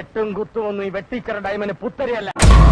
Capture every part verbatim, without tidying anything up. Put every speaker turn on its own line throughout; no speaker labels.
വെട്ടും കുത്തുമൊന്നും ഈ വെട്ടിച്ചറ ഡയമന് പുത്തരിയല്ല.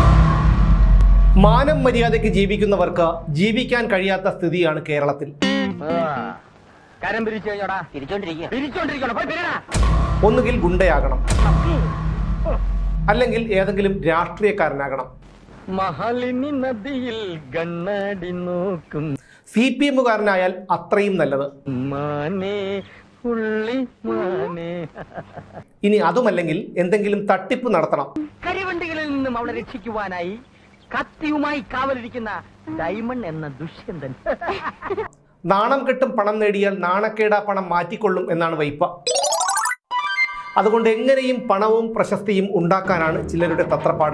മാനം മര്യാദയ്ക്ക് ജീവിക്കുന്നവർക്ക് ജീവിക്കാൻ കഴിയാത്ത സ്ഥിതിയാണ് കേരളത്തിൽ.
കരം പിരിച്ചു കഴിഞ്ഞോടാ, തിരിച്ചോണ്ടിരിക്കണോ?
ഒന്നുകിൽ ഗുണ്ടയാകണം, അല്ലെങ്കിൽ ഏതെങ്കിലും രാഷ്ട്രീയക്കാരനാകണം.
മഹാലിനി നദിയിൽ കണ്ണാടി നോക്കും
സി പി എമ്മുകാരനായാൽ അത്രയും നല്ലത്.
മാനേ ഉള്ളി മാനേ.
ഇനി അതുമല്ലെങ്കിൽ എന്തെങ്കിലും തട്ടിപ്പ് നടത്തണം.
കരിവണ്ടികളിൽ നിന്നും അവളെ രക്ഷിക്കുവാനായി കത്തിയുമായി കാവലിരിക്കുന്ന ഡയമണ്ട് എന്ന ദുഷ്യന്തൻ.
നാണം കെട്ടും പണം നേടിയാൽ നാണക്കേടാ പണം മാറ്റിക്കൊള്ളും എന്നാണ് വൈപ്പ. അതുകൊണ്ട് എങ്ങനെയും പണവും പ്രശസ്തിയും ഉണ്ടാക്കാനാണ് ചിലരുടെ തത്രപ്പാട്.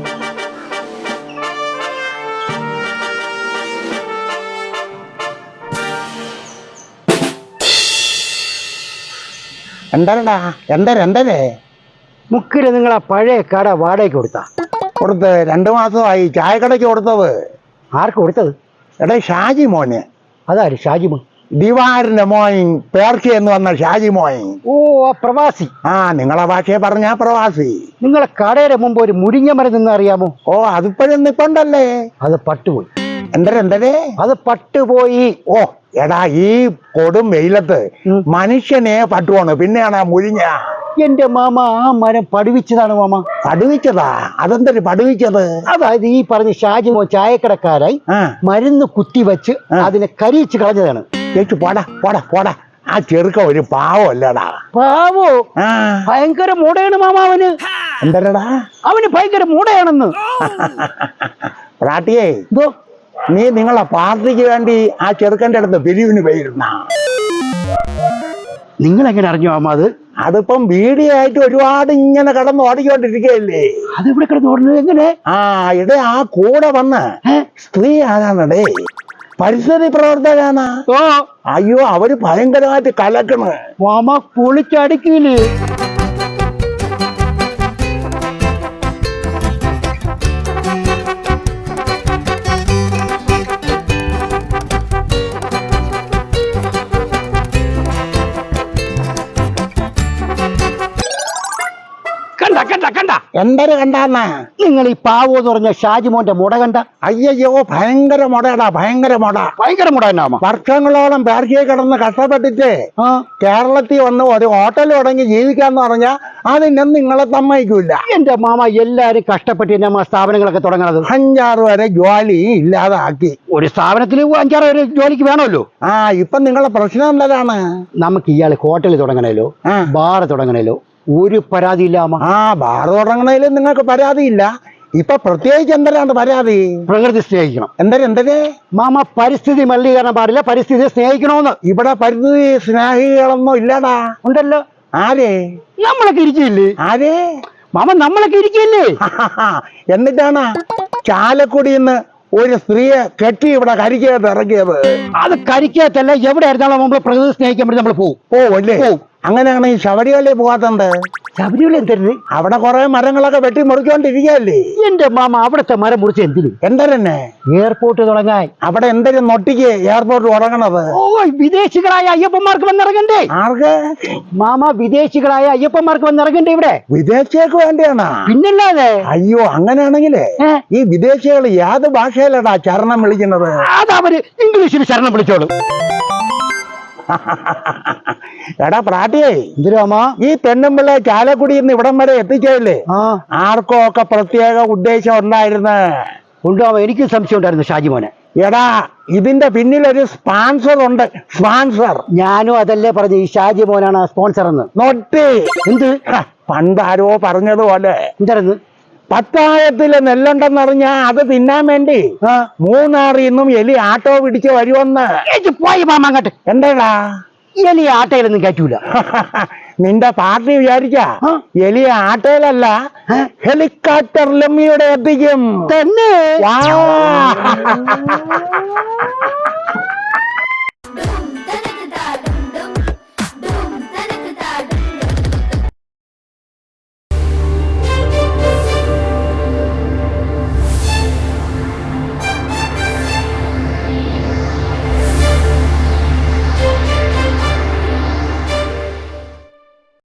എന്താടാ എന്താ എന്തേ
മുക്കില് നിങ്ങളാ പഴയ കട വാടകയ്ക്ക് കൊടുത്താ?
കൊടുത്ത് രണ്ടു മാസമായി. ചായക്കടയ്ക്ക് കൊടുത്തത്.
ആർക്ക് കൊടുത്തത്?
എടാ ഷാജി മോന്.
അതാര് ഷാജി മോൻ?
ദിവാറിന്റെ മോൻ, പേർഷ്യ എന്ന് വന്ന ഷാജി മോൻ.
ഓ, പ്രവാസി.
ആ, നിങ്ങളെ ഭാഷയെ പറഞ്ഞാ പ്രവാസി.
നിങ്ങളെ കടയുടെ മുമ്പ് ഒരു മുരിങ്ങ മരം നിന്ന് അറിയാമോ?
ഓ, അതിപ്പോഴും നിപ്പുണ്ടല്ലേ?
അത് പട്ടുപോയി.
എന്തര എന്തരേ
അത് പട്ടുപോയി.
ഓ എടാ, ഈ കൊടും വെയിലത്ത് മനുഷ്യനെ പട്ടുവാണ്, പിന്നെയാണ് ആ മുരിങ്ങ.
എന്റെ മാമ, ആ മരം പടുവിച്ചതാണ് മാമ.
പടുവിച്ചതാ? അതെന്തൊരു പടുവിച്ചത്?
അതായത് ഈ പറഞ്ഞ ഷാജി മോൻ ചായക്കടക്കാരായി മരുന്ന് കുത്തിവെച്ച് അതിനെ കരിയിച്ച് കളഞ്ഞതാണ്.
ചേച്ചു പോടാ പോടാ പോടാ. ആ ചെറുക്ക ഒരു പാവല്ലടാ.
പാവോ? ഭയങ്കര മൂടയാണ് മാമ അവന്.
എന്തരടാ?
അവന് ഭയങ്കര മൂടയാണെന്ന്.
പ്രാട്ടിയേ, നീ നിങ്ങളെ പാർട്ടിക്ക് വേണ്ടി ആ ചെറുക്കൻ്റെ അടുത്ത് പിരിവിന് പോയിരുന്ന?
നിങ്ങൾ എങ്ങനെ അറിഞ്ഞു മാമ അത്?
അതിപ്പം വീഡിയോ ആയിട്ട് ഒരുപാട് ഇങ്ങനെ കടന്ന് ഓടിക്കൊണ്ടിരിക്കുകയല്ലേ.
അതെവിടെ കിടന്ന് ഓടുന്നത്? എങ്ങനെ?
ആ ഇടേ ആ കൂടെ വന്ന് സ്ത്രീ ആരാണടേ? പരിസ്ഥിതി പ്രവർത്തകാണ്.
ഓ
അയ്യോ, അവര് ഭയങ്കരമായിട്ട് കലക്കണ്
മാമ. പൊളിച്ചടിക്കില്ലേ?
എന്തൊരു കണ്ടാന്ന?
നിങ്ങൾ ഈ പാവോ എന്ന് പറഞ്ഞ ഷാജിമോന്റെ മുട കണ്ട?
അയ്യോ, ഭയങ്കര മുടയടാ, ഭയങ്കര മുട.
ഭയങ്കര മുട തന്നെ.
വർഷങ്ങളോളം പേർക്കിയെ കിടന്ന് കഷ്ടപ്പെട്ടിട്ട് കേരളത്തിൽ വന്ന് ഒരു ഹോട്ടൽ തുടങ്ങി ജീവിക്കാന്ന് പറഞ്ഞാ അതിനൊന്നും നിങ്ങളെ സമ്മതിക്കൂല.
എന്റെ മാമ, എല്ലാരും കഷ്ടപ്പെട്ട് തന്നെ സ്ഥാപനങ്ങളൊക്കെ തുടങ്ങണത്.
അഞ്ചാറ് വരെ ജോലി ഇല്ലാതാക്കി.
ഒരു സ്ഥാപനത്തിൽ അഞ്ചാറ് വരെ ജോലിക്ക് വേണമല്ലോ.
ആ, ഇപ്പൊ നിങ്ങളെ പ്രശ്നം എന്താണ്?
നമുക്ക് ഇയാള് ഹോട്ടൽ തുടങ്ങണേലോ ബാർ തുടങ്ങണേലോ ഒരു പരാതിയില്ലാമ.
ആ, ബാർ തുടങ്ങണേലും നിങ്ങൾക്ക് പരാതിയില്ല. ഇപ്പൊ പ്രത്യേകിച്ച് എന്തരാണ് പരാതി?
പ്രകൃതി സ്നേഹിക്കണം.
എന്തര എന്തരേ
മാമ, പരിസ്ഥിതി മലിനീകരണം പാടില്ല, പരിസ്ഥിതിയെ സ്നേഹിക്കണോന്ന്.
ഇവിടെ പരിസ്ഥിതി സ്നേഹികളൊന്നും ഇല്ലടാ.
ഉണ്ടല്ലോ.
ആരേ?
നമ്മളൊക്കെ ഇരിക്കില്ലേ?
ആരേ
മാമ? നമ്മളൊക്കെ ഇരിക്കില്ലേ?
എന്നിട്ടാണ് ചാലക്കുടിന്ന് ഒരു സ്ത്രീയെ കെട്ടി ഇവിടെ കരിക്കകത്ത് ഇറക്കിയത്.
അത് കരിക്കകത്തല്ല, എവിടെ ആയിരുന്നാലും നമ്മൾ പ്രകൃതി സ്നേഹിക്കാൻ വേണ്ടി നമ്മൾ പോകും.
ഓ അല്ലേ? അങ്ങനെയാണ് ഈ ശബരിമലയിൽ പോകാത്തത്.
ശബരിമല എന്തരുത്?
അവിടെ കുറെ മരങ്ങളൊക്കെ വെട്ടി മുറിച്ചോണ്ടിരിക്കുകയല്ലേ.
എന്റെ മാമ, അവിടുത്തെ മരം മുറിച്ച് എന്തിന്?
എന്തരന്നെ?
എയർപോർട്ട് തുടങ്ങാൻ.
അവിടെ എന്തൊരു നൊട്ടിക്ക് എയർപോർട്ട് തുടങ്ങണത്?
ഓ, വിദേശികളായ അയ്യപ്പന്മാർക്ക് വന്നിറങ്ങണ്ടേ?
ആർക്ക്?
മാമ, വിദേശികളായ അയ്യപ്പന്മാർക്ക് വന്നിറങ്ങണ്ടേ ഇവിടെ?
വിദേശികൾക്ക് വേണ്ടിയാണ്.
പിന്നല്ലാതെ.
അയ്യോ, അങ്ങനെയാണെങ്കിലേ ഈ വിദേശികൾ ഏത് ഭാഷയിലടാ ചരണം വിളിക്കുന്നത്?
അതവര് ഇംഗ്ലീഷിൽ ശരണം വിളിച്ചോളും.
എടാ പ്രാട്ടിയേ,
എന്തിനാമാ
ഈ പെണ്ണുമ്പിള്ളെ ചാലക്കുടിയിൽ നിന്ന് ഇവിടം വരെ എത്തിച്ചല്ലേ ആർക്കോ ഒക്കെ പ്രത്യേക ഉദ്ദേശം ഉണ്ടായിരുന്നു?
ഉണ്ടാവാ. എനിക്ക് സംശയം ഉണ്ടായിരുന്നു ഷാജിമോനെ.
എടാ, ഇതിന്റെ പിന്നിലൊരു സ്പോൺസർ ഉണ്ട്. സ്പോൺസർ.
ഞാനും അതല്ലേ പറഞ്ഞു, ഈ ഷാജിമോനാണ് സ്പോൺസർ എന്ന്.
നോട്ട്.
എന്ത്?
പണ്ടാരോ പറഞ്ഞതുപോലെ
എന്തായിരുന്നു?
പത്തായത്തില് നെല്ലുണ്ടെന്നറിഞ്ഞാ അത് തിന്നാൻ വേണ്ടി മൂന്നാറിൽ നിന്നും എലി ആട്ടോ പിടിച്ച് വരുമെന്ന്.
പോയി മാമ അങ്ങോട്ട്.
എന്താടാ?
എലി ആട്ടയിലൊന്നും കയറ്റൂല.
നിന്റെ പാർട്ടി വിചാരിച്ച എലിയ ആട്ടയിലല്ല, ഹെലികോപ്റ്ററിലും ഇവിടെ എത്തിക്കും.
തന്നെ?